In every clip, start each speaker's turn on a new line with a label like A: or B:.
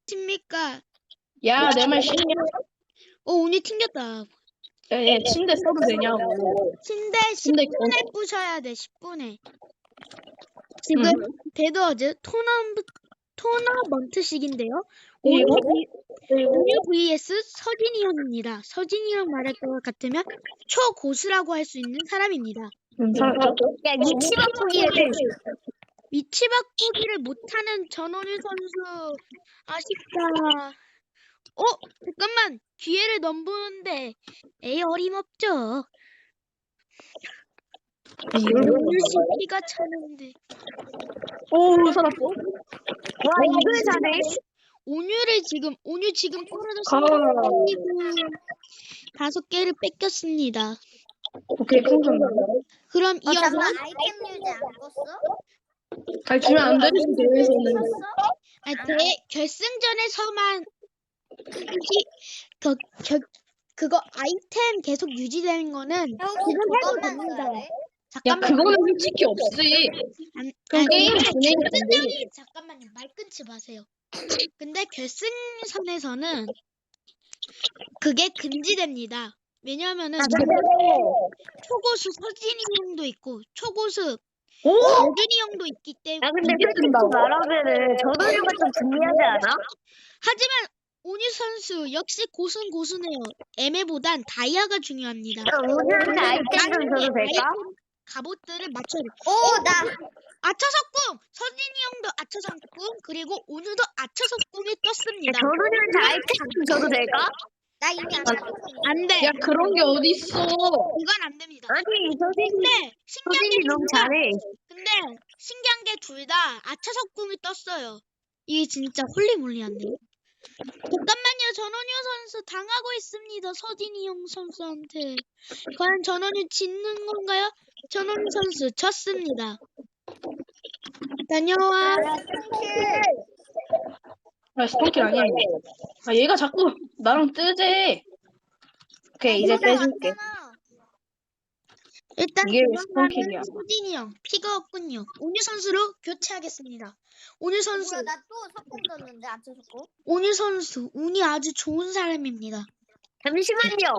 A: 십니까?
B: 야, 내 말 쉽냐?
A: 운이 튕겼다.
B: 얘 침대 써도 되냐고.
A: 침대
B: 침대
A: 10분에 부셔야 돼. 10분에. 지금 데드워즈 토너먼트식인데요. 온유 vs 서진이 형입니다. 서진이 형 말할 것 같으면 초고수라고 할 수 있는 사람입니다.
C: 야, 위치 바꾸기를
A: 위치 바꾸기를 못하는 전원일 선수 아쉽다. 잠깐만 기회를 넘보는데 어림없죠. 온유 CP가 차는데
B: 오, 살았어.
C: 와, 이걸 사네.
A: 온유 지금 떨어졌습니다. 5개를 뺏겼습니다.
B: 오케이, 풍선.
A: 그럼 이어서
C: 잠깐 아이템 유지 안 껐어?
B: 잘 주면 안 되지, 대회에서는.
A: 결승전에서만 그거 아이템 계속 유지되는 거는 지금 해도 됩니다.
B: 야, 그거는 솔직히 없지. 그럼 게임 진행이 안 돼.
A: 잠깐만요. 말 끊지 마세요. 근데 결승선에서는 그게 금지됩니다. 왜냐하면은 초고수 서진이 형도 있고 초고수 여준이 형도 있기 때문에.
C: 야, 근데 솔직히 말하면은 전원유가 좀 불리하지 않아?
A: 하지만 온유 선수 역시 고수네요. 애매보단 다이아가 중요합니다.
C: 오늘한테 아이템 좀 줘도 될까?
A: 갑옷들을 맞춰야 돼.
C: 나
A: 아처석궁! 서진이 형도 아처석궁 그리고 온유도 아처석궁이 떴습니다.
C: 전원유한테 아이템 좀 줘도 될까? 나 이미
A: 안 돼.
B: 야, 그런 게 어딨어.
A: 이건 안 됩니다.
C: 아니,
A: 근데
C: 너무 잘해.
A: 근데 신기한 게 둘 다 아차석궁이 떴어요. 이게 진짜 홀리몰리한데요. 잠깐만요. 전원유 선수 당하고 있습니다. 서진이 형 선수한테. 과연 전원유 짓는 건가요? 전원유 선수 졌습니다. 다녀와.
B: 야, 스폰킬 아니야, 이거. 아, 얘가 자꾸 나랑 뜨지. 오케이, 이제 빼줄게.
A: 일단
B: 이게 왜
A: 도망가는
B: 스폰킬이야?
A: 서진이 형 피가 없군요. 온유 선수로 교체하겠습니다. 온유 선수.
C: 나 또 석공 떴는데 안 쳐줬고.
A: 온유 선수 운이 아주 좋은 사람입니다.
C: 잠시만요.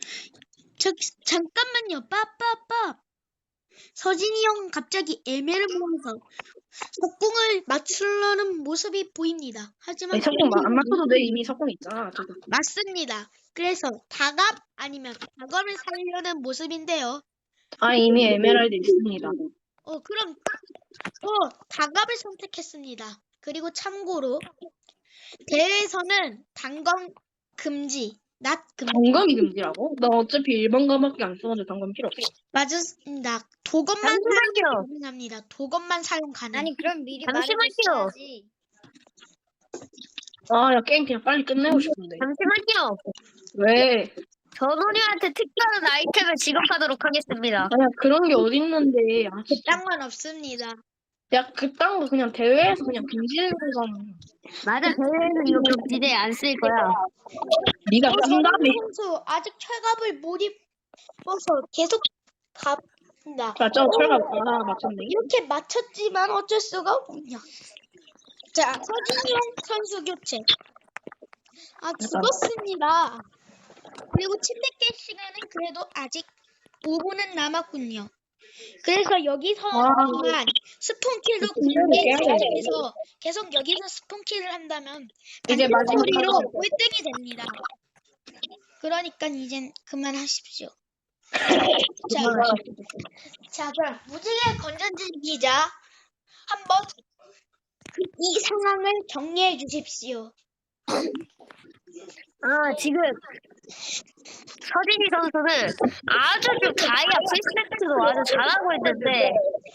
A: 잠깐만요. 빠빠빠. 서진이 형 갑자기 애매를 모아서 석궁을 맞추려는 모습이 보입니다. 하지만
B: 아니, 석궁 안 맞춰도 돼. 이미 석궁 있잖아. 저거.
A: 맞습니다. 그래서 다갑 아니면 다검을 살려는 모습인데요.
B: 아, 이미 에메랄드 있습니다.
A: 그럼 다갑을 선택했습니다. 그리고 참고로 대회에서는 단검 금지, 낫 금지.
B: 단검이 금지라고? 나 어차피 1번 검밖에 안 써가지고 단검 필요 없어.
A: 맞습니다. 도검만 사용
C: 잠시만요.
A: 가능합니다. 도검만 사용 가능.
C: 아니, 그럼 미리 말해줬어야지.
B: 아, 야, 게임 그냥 빨리 끝내고 싶은데.
C: 잠시만요.
B: 왜?
C: 전원이한테 특별한 아이템을 지급하도록 하겠습니다.
B: 아니야, 그런 게 어딨는데. 아, 진짜.
A: 그딴 건 없습니다.
B: 야, 그딴 거 그냥 대회에서 그냥 금지되는 거잖아.
C: 맞아, 대회에는 이거 금지대 안 쓸 거야.
B: 네가 쓴다며.
A: 선수 아직 철갑을 못 입어서 계속 갑니다.
B: 자, 저 철갑 하나 맞췄네.
A: 이렇게 맞췄지만 어쩔 수가 없군요. 자, 서진용 선수 교체. 죽었습니다. 그리고 침대 깰 시간은 그래도 아직 5분은 남았군요. 그래서 여기서만 스폰킬로 계속 여기서 스폰킬을 한다면
B: 이제
A: 마지막으로
B: 마지막으로
A: 1등이 됩니다. 그러니까 이젠 그만하십시오. 자, 그럼 무지개 건전지기자 한번 이 상황을 정리해 주십시오.
C: 지금 서진이 선수는 아주 좀 다이아 풀세트도 아주 잘하고 있는데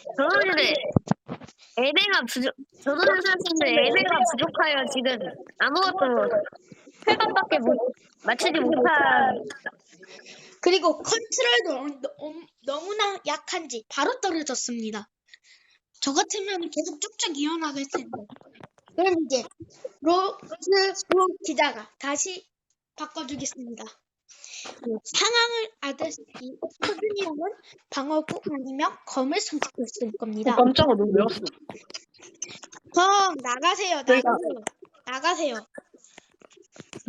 C: 전원은 선수는 애매가 부족하여 지금 아무것도 회감밖에 맞추지 못한.
A: 그리고 컨트롤도 너무나 약한지 바로 떨어졌습니다. 저 같으면 계속 쭉쭉 이어나갈 텐데. 그럼 이제 로즈로 기자가 다시 바꿔주겠습니다. 상황을 알다시피 서준이 형은 방어구 아니면 검을 선택했을 겁니다.
B: 깜짝아, 너 왜 왔어?
A: 나가세요. 나가세요.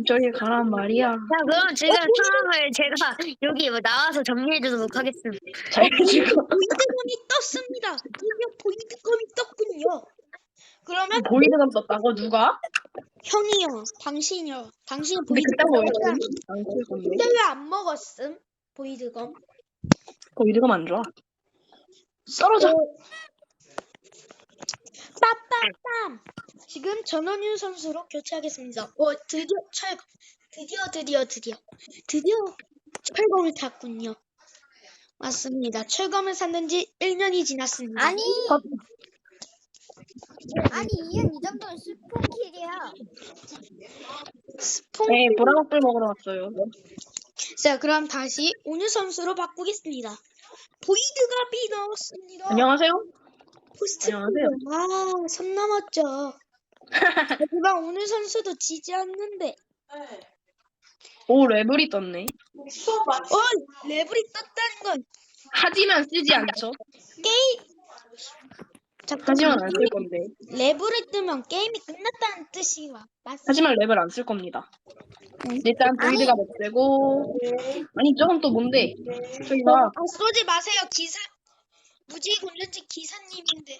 B: 저기 가란 말이야.
C: 자, 그럼 지금 상황을 제가 여기 뭐 나와서 정리해주도록 하겠습니다.
B: 잘 지금
A: 보이드검이 떴습니다. 드디어 보이드검이 떴군요. 그러면
B: 보이드가 떴다고 누가?
A: 형이요, 당신이요. 당신
B: 근데
A: 보이드검
B: 그딴 거 안쓸 건데.
A: 근데 왜 안 먹었음? 보이드검.
B: 보이드가 안 좋아. 썰어져.
A: 빠빠빰. 지금 전원윤 선수로 교체하겠습니다. 드디어 철검. 드디어 철검을 탔군요. 맞습니다. 철검을 샀는 지 1년이 지났습니다.
D: 아니 이현 이 정도는 스폰킬이야.
A: 스폰.
B: 네, 보라먹불 먹으러 왔어요.
A: 자, 그럼 다시 온유 선수로 바꾸겠습니다. 보이드갑이 나왔습니다.
B: 안녕하세요.
A: 포스트.
B: 안녕하세요.
A: 아, 선 넘었죠. 하지만 온유 선수도 지지 않는데.
B: 오, 레벨이 떴네.
A: 레벨이 떴다는 건
B: 하지만 쓰지 않죠. 하지만 안 쓸 건데.
A: 레벨을 뜨면 게임이 끝났다는 뜻이 맞습니다.
B: 하지만 랩을 안 쓸 겁니다. 일단 보이드가 못 되고. 아니 저건 또 뭔데? 저기 봐.
A: 쏘지 마세요. 무지개 건전지 기사님인데.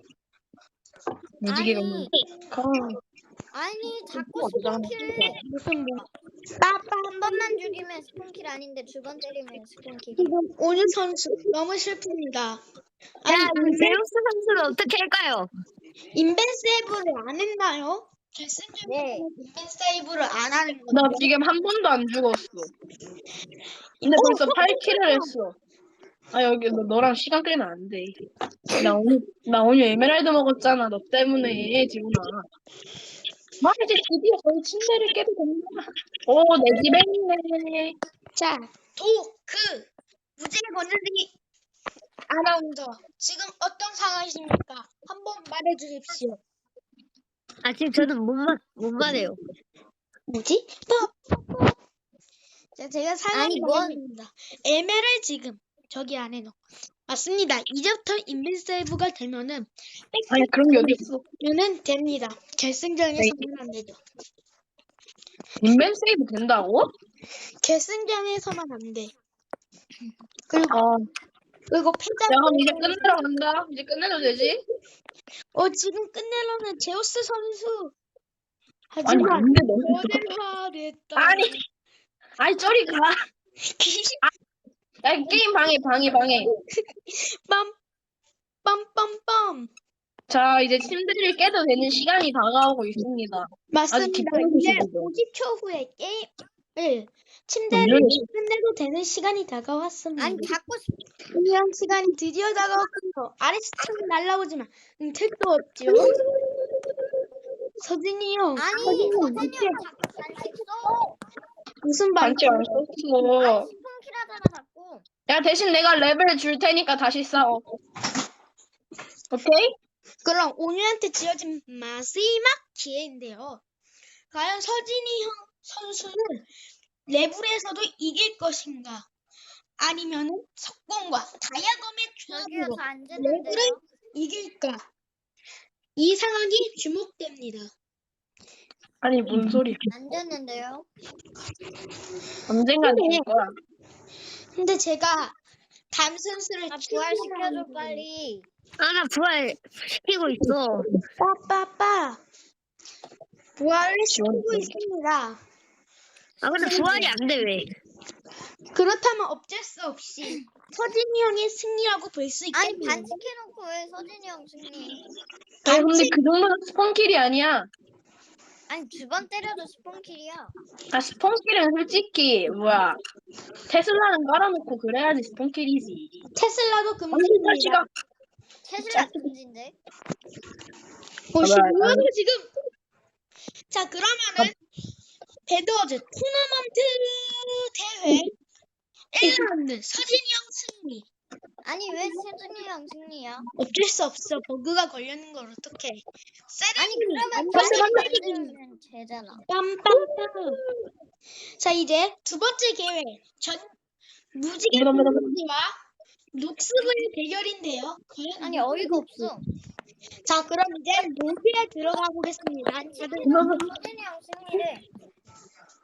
B: 무지개가
D: 아니,
B: 있는.
D: 아니 자꾸 스폰킬
A: 무슨 뭐.
D: 한 번만 죽이면 스폰킬 아닌데 두 번 때리면 스폰킬.
A: 지금 온유 선수 너무 슬픕니다.
C: 자, 제우스 선수는 어떻게 할까요?
A: 인벤세이브를 안 했나요? 결승전에
D: 네.
A: 인벤세이브를 안 하는 건데.
B: 나 지금 한 번도 안 죽었어. 근데 벌써 8킬을 했어. 아 여기 너랑 시간 끌면 안 돼. 나 오늘 에메랄드 먹었잖아. 너 때문에 지훈아. 이제 드디어 저희 침대를 깨도 된다. 오, 내 집에 있네.
A: 자, 무지개 건전지 아나운서 지금 어떤 상황이십니까? 한번 말해주십시오.
C: 아, 지금 저는 못 말해요.
A: 뭐지? 자, 제가 상황
D: 아니, 뭔-
A: 말해드립니다. 에메랄 지금 저기 안에 넣어. 맞습니다. 이제부터 인벤세이브가 되면은
B: 아니 그런 게 어디 있어?
A: 는 됩니다. 결승전에서는 안 되죠.
B: 인벤 세이브 된다고?
A: 결승전에서만 안 돼. 그리고
B: 아,
A: 패자.
B: 야 그럼 이제 끝내러 간다. 이제 끝내도 되지?
A: 지금 끝내려면 제우스 선수.
B: 아니
A: 하지만
B: 근데 너무
A: 오늘하랬다.
B: 아니 저리 가. 야 게임 방해.
A: 빰빰빰빰.
B: 자 이제 침대를 깨도 되는 시간이 다가오고 있습니다.
A: 맞습니다.
B: 기다리고
A: 이제
B: 계시죠?
A: 50초 후에 침대를 끝내도 되는 시간이 다가왔습니다.
D: 아니 자꾸
A: 중요한 시간이 드디어 다가왔군요. 아리스트는 날라오지만 택도 없죠. 서진이 형.
D: 아니
A: 서진이 형,
D: 서진이 형 자꾸 반칙 써.
A: 무슨
B: 반지 안 썼어.
D: 아니 스폰킬 하잖아 자꾸.
B: 야 대신 내가 레벨 줄 테니까 다시 싸워. 오케이?
A: 그럼 온유한테 지어진 마지막 기회인데요. 과연 서진이 형 선수는 레벨에서도 이길 것인가? 아니면은 석공과 다이아검의
D: 저기요
A: 조합으로
D: 저안
A: 레벨을
D: 되는데요.
A: 이길까? 이 상황이 주목됩니다.
B: 아니 뭔 소리야?
D: 안 되는데요.
B: 언젠가 될 거야.
A: 근데 제가 담선수를
D: 아 부활시켜줘 빨리.
C: 아, 나 부활 시키고 있어.
A: 빠빠빠 부활을 시키고
B: 지원해.
A: 있습니다.
C: 아, 근데 부활이 안 돼, 왜?
A: 그렇다면 어쩔 수 없이 서진이 형의 승리라고 볼 수
D: 아니
A: 있겠네요.
D: 반칙해놓고 왜 서진이 형 승리?
B: 아니 근데 그 정도는 스폰킬이 아니야.
D: 아니 두 번 때려도 스폰킬이야.
B: 아 스폰킬은 솔직히 뭐야 테슬라는 깔아놓고 그래야지 스폰킬이지.
A: 테슬라도
B: 아니
A: 금지입니다.
B: 자식아.
D: 테슬라 금지인데.
A: 뭐야 지금? 자 그러면은 배드워즈 토너먼트 대회 1라운드 서진이 형 승리.
D: 아니 왜 서진이 형 승리야?
A: 어쩔 수 없어. 버그가 걸리는 걸 어떡해.
D: 아니 그러면
A: 세레머니
D: 반칙 만들면 되잖아.
A: 빰빰빰. 자 이제 두 번째 대회 무지개
B: 뭐다.
A: 선수와 녹스부의 대결인데요. 과연
D: 아니 어이가 없어.
A: 자 그럼 이제 로비에 들어가 보겠습니다. 다들
D: 반칙해놓고 서진이 형 승리래.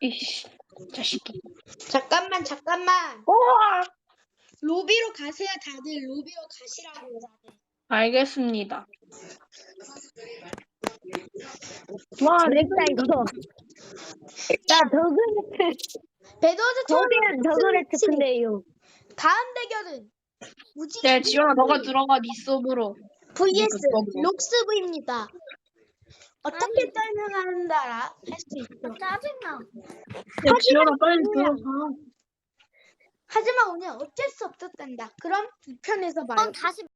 B: 이씨, 자식이.
A: 잠깐만.
B: 우와!
A: 로비로 가세요, 다들. 로비로 가시라고요, 다들.
B: 알겠습니다. 와,
C: 재밌다 이거. 나
A: 배도즈처럼
C: 거대한 더그레트 플레이요.
A: 다음 대결은 무지
B: 네, 지원아, 너가 들어가, 니 서브로.
A: vs
B: 그거.
A: 록스브입니다. 어떻게 설명한다라 할 수 있어.
D: 짜증나.
B: 야, 지원아, 빨리 들어가.
A: 하지만 오늘 어쩔 수 없었단다. 그럼 2편에서 봐요.
D: 그럼 다시